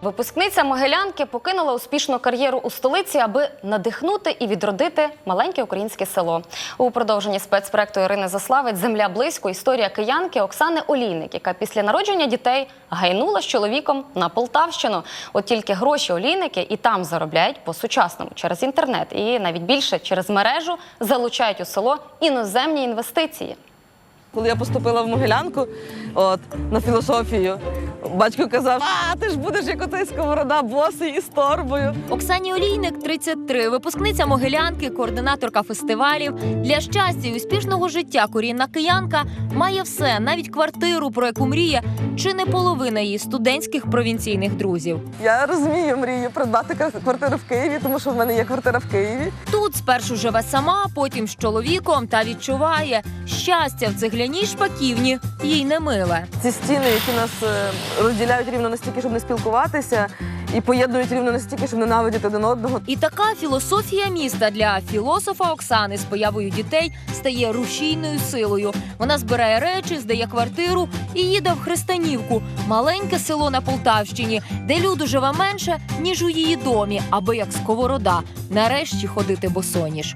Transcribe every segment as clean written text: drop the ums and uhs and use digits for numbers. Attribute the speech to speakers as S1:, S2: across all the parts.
S1: Випускниця Могилянки покинула успішну кар'єру у столиці, аби надихнути і відродити маленьке українське село. У продовженні спецпроекту Ірини Заславець «Земля близько» історія киянки Оксани Олійник, яка після народження дітей гайнула з чоловіком на Полтавщину. От тільки гроші Олійники і там заробляють по-сучасному через інтернет і навіть більше через мережу залучають у село іноземні інвестиції.
S2: Коли я поступила в Могилянку на філософію, батько казав: «А, ти ж будеш як отой Сковорода, босий і з торбою».
S3: Оксані Олійник 33, випускниця Могилянки, координаторка фестивалів. Для щастя і успішного життя корінна киянка має все, навіть квартиру, про яку мріє чи не половина її студентських провінційних друзів.
S2: Я розумію, мрію придбати квартиру в Києві, тому що в мене є квартира в Києві.
S3: Тут спершу живе сама, потім з чоловіком та відчуває, щастя в цегляній шпаківні їй не миле.
S2: Ці стіни, які нас розділяють рівно настільки, щоб не спілкуватися, і поєднують рівно настільки, щоб ненавидіти один одного.
S3: І така філософія міста для філософа Оксани з появою дітей стає рушійною силою. Вона збирає речі, здає квартиру і їде в Христанівку – маленьке село на Полтавщині, де люду живе менше, ніж у її домі, аби як Сковорода нарешті ходити босоніж.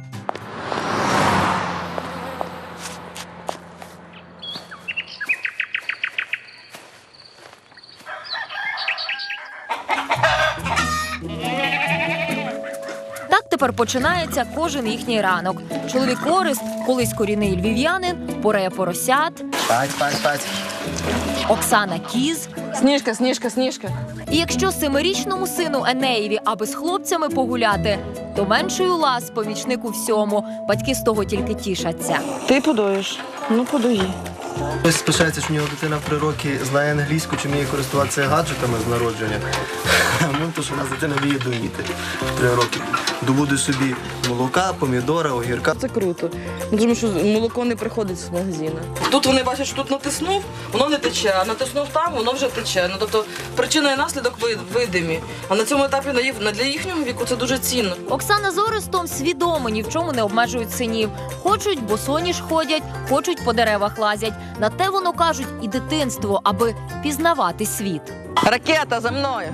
S3: Так тепер починається кожен їхній ранок. Чоловік Орест, колись корінний львів'янин, поре поросят.
S4: Спать.
S3: Оксана кіз.
S2: Сніжка, Сніжка, Сніжка.
S3: І якщо 7-річному сину Енеєві, аби з хлопцями погуляти, то менший Улас помічник у всьому. Батьки з того тільки тішаться.
S2: Ти подоїш? Ну, подої.
S4: Хтось спишається, що в нього дитина в 3 роки знає англійську, чи вміє користуватися гаджетами з народження. Ну, то, що в нас дитина вміє доїти в 3 роки. Добуде собі молока, помідора, огірка.
S2: Це круто. Тому що молоко не приходить з магазину. Тут вони бачать, що тут натиснув, воно не тече, а натиснув там, воно вже тече. Ну, тобто причина і наслідок видимі. А на цьому етапі для їхнього віку це дуже цінно.
S3: Оксана з Орестом свідомо ні в чому не обмежують синів. Хочуть босоніж ходять, хочуть по деревах лазять. На те воно кажуть і дитинство, аби пізнавати світ.
S2: Ракета за мною!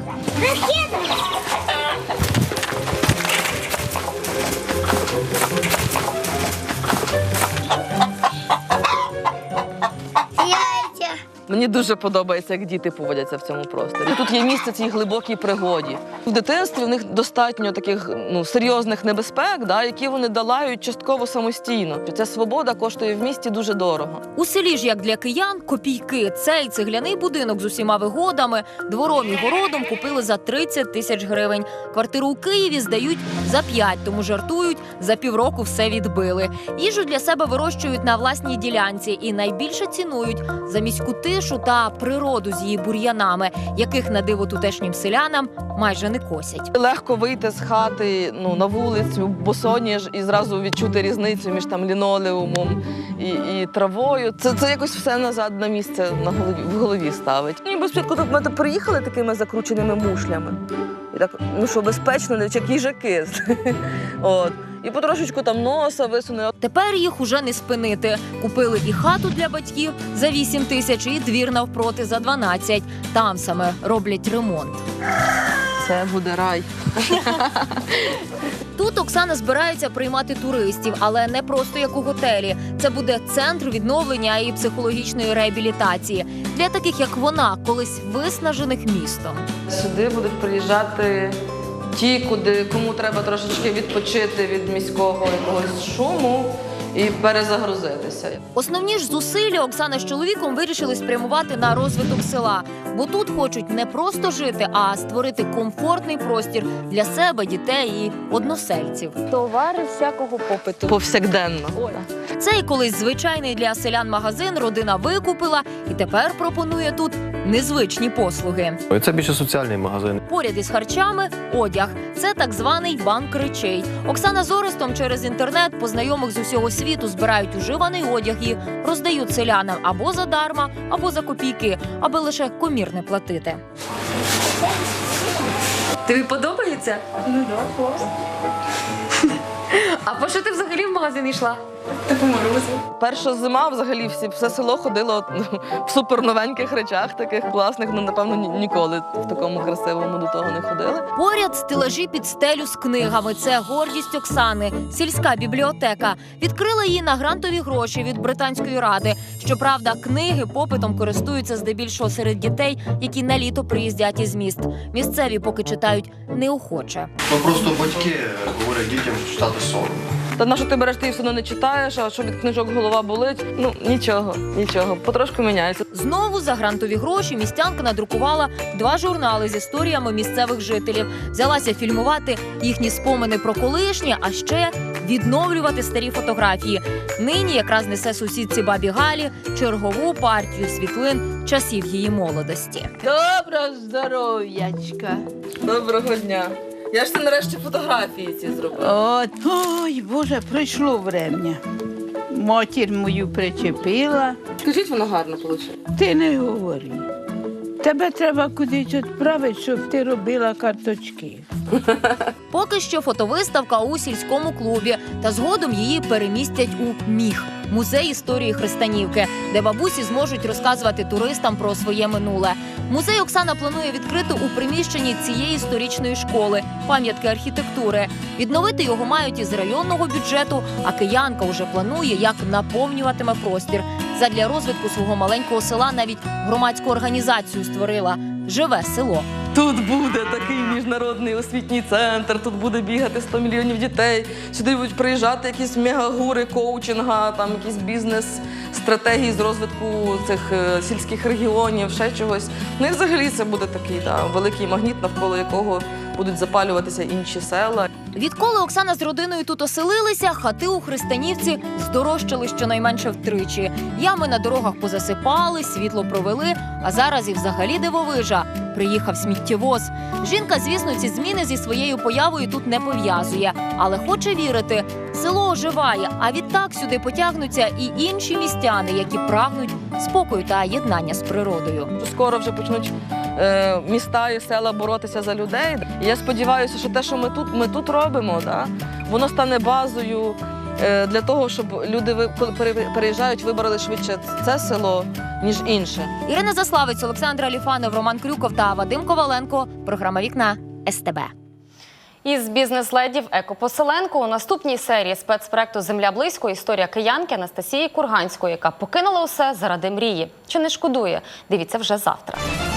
S2: Мені дуже подобається, як діти поводяться в цьому просторі. Тут є місце цій глибокій пригоді. В дитинстві в них достатньо таких серйозних небезпек, які вони долають частково самостійно. Ця свобода коштує в місті дуже дорого.
S3: У селі ж, як для киян, копійки. Цей цегляний будинок з усіма вигодами, двором і городом купили за 30 тисяч гривень. Квартиру у Києві здають за 5, тому жартують, за півроку все відбили. Їжу для себе вирощують на власній ділянці і найбільше цінують за міську тишу та природу з її бур'янами, яких на диво тутешнім селянам майже не косять.
S2: Легко вийти з хати на вулицю, босоніж, і зразу відчути різницю між лінолеумом і травою. Це якось все назад на місце в голові ставить. Ніби спочатку ми приїхали такими закрученими мушлями. І так, що безпечно, як їжаки. І потрошечку носа висунули.
S3: Тепер їх уже не спинити. Купили і хату для батьків за 8 тисяч, і двір навпроти за 12. Там саме роблять ремонт.
S2: Це буде рай.
S3: Тут Оксана збирається приймати туристів, але не просто як у готелі. Це буде центр відновлення і психологічної реабілітації для таких, як вона, колись виснажених містом.
S2: Сюди будуть приїжджати ті, кому треба трошечки відпочити від міського якогось шуму і перезагрузитися.
S3: Основні ж зусилля Оксана з чоловіком вирішили спрямувати на розвиток села. Бо тут хочуть не просто жити, а створити комфортний простір для себе, дітей і односельців.
S2: Товари всякого попиту. Повсякденно.
S3: Цей колись звичайний для селян магазин родина викупила і тепер пропонує тут незвичні послуги.
S5: Це більше соціальний магазин.
S3: Поряд із харчами – одяг. Це так званий банк речей. Оксана з Орестом через інтернет по знайомих з усього світу збирають уживаний одяг і роздають селянам або задарма, або за копійки, аби лише комір не платити. Тобі подобається?
S6: Ну так, класно.
S3: А по що ти взагалі в магазин йшла?
S5: Типу морозу.
S2: Перша зима взагалі все село ходило в суперновеньких речах, таких класних. Ну, напевно, ніколи в такому красивому до того не ходили.
S3: Поряд стелажі під стелю з книгами. Це гордість Оксани. Сільська бібліотека. Відкрила її на грантові гроші від Британської ради. Щоправда, книги попитом користуються здебільшого серед дітей, які на літо приїздять із міст. Місцеві поки читають неохоче.
S6: Ну просто батьки говорять дітям читати соромно.
S2: Та на що ти береш, ти все одно не читаєш, а що від книжок голова болить? Ну, нічого. Потрошку міняється.
S3: Знову за грантові гроші містянка надрукувала 2 журнали з історіями місцевих жителів. Взялася фільмувати їхні спомини про колишнє, а ще відновлювати старі фотографії. Нині якраз несе сусідці бабі Галі чергову партію світлин часів її молодості.
S7: Доброго здоров'ячка.
S2: Доброго дня. Я ж це нарешті фотографії ці зробила.
S7: От, ой, Боже, пройшло врем'я. Матір мою причепила.
S2: Скажіть, воно гарно вийшло.
S7: Ти не говори. Тебе треба кудись відправити, щоб ти робила карточки.
S3: Поки що фотовиставка у сільському клубі, та згодом її перемістять у МІХ – музей історії Христанівки, де бабусі зможуть розказувати туристам про своє минуле. Музей Оксана планує відкрити у приміщенні цієї історичної школи – пам'ятки архітектури. Відновити його мають із районного бюджету, а киянка вже планує, як наповнюватиме простір. Задля розвитку свого маленького села навіть громадську організацію створила «Живе село».
S2: Тут буде такий міжнародний освітній центр, тут буде бігати 100 мільйонів дітей. Сюди будуть приїжджати якісь мегагури коучинга, там якісь бізнес-стратегії з розвитку цих сільських регіонів, ще чогось. Ну і взагалі це буде такий великий магніт, навколо якого будуть запалюватися інші села.
S3: Відколи Оксана з родиною тут оселилися, хати у Христанівці здорожчали щонайменше втричі. Ями на дорогах позасипали, світло провели, а зараз і взагалі дивовижа. Приїхав сміттєвоз. Жінка, звісно, ці зміни зі своєю появою тут не пов'язує, але хоче вірити – село оживає, а відтак сюди потягнуться і інші містяни, які прагнуть спокою та єднання з природою.
S2: Скоро вже почнуть міста і села боротися за людей. І я сподіваюся, що те, що ми тут робимо, воно стане базою для того, щоб люди, коли переїжджають, вибрали швидше це село, ніж інше.
S3: Ірина Заславець, Олександр Аліфанов, Роман Крюков та Вадим Коваленко. Програма «Вікна» СТБ.
S1: Із бізнес-ледів екопоселенку у наступній серії спецпроекту «Земля близько» історія киянки Анастасії Курганської, яка покинула усе заради мрії. Чи не шкодує? Дивіться вже завтра.